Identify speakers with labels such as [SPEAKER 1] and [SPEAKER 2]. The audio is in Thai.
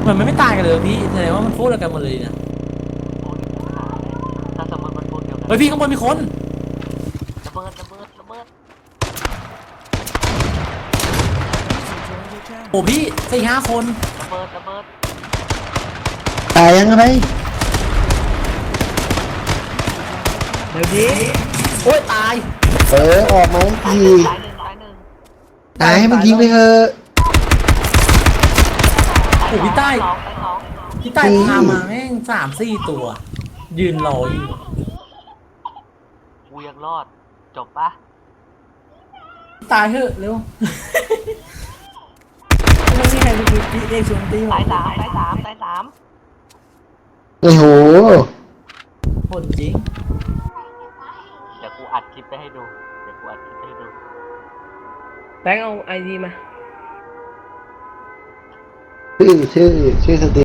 [SPEAKER 1] มันไม่ตายกันเลยพี่แสดงว่ามันโคตรกันหมดเลยเนี่ย
[SPEAKER 2] ถ้าสมมติมันพูดเดียวกัน
[SPEAKER 1] เฮ้ยพี่ข้างบนมีคน
[SPEAKER 2] ระเบิดระเบิดระเบิด
[SPEAKER 1] โอ้พี่4-5 คน
[SPEAKER 2] ระเบิดระเบิด
[SPEAKER 3] ตายยังไง
[SPEAKER 1] เดี๋ยวนี้โอ้ยตาย
[SPEAKER 3] ออกมาที
[SPEAKER 2] ตายหนึ่งตายหนึ่ง
[SPEAKER 3] ตายให้มันยิงไปเถอะ
[SPEAKER 1] โอ้พี่ใต้
[SPEAKER 2] สองตายสอง
[SPEAKER 1] พี่ใต้พามาแม่ง3-4 ตัว ยืนรออยู่
[SPEAKER 2] กูยังรอดจบปะ
[SPEAKER 1] ตายเถอะเร็วไม่มีใครไปดูพี่เรียกชวนตี
[SPEAKER 2] ตายสามตายสามตายสาม
[SPEAKER 3] โอ้โห
[SPEAKER 1] ผลจริง
[SPEAKER 2] เดี๋ยวกูอัดคลิปไปให้ดูเดี๋ยวกูอัดคลิปไปให้ดู
[SPEAKER 4] แบงค์เอาไอดีมา
[SPEAKER 3] ชื่อสตรี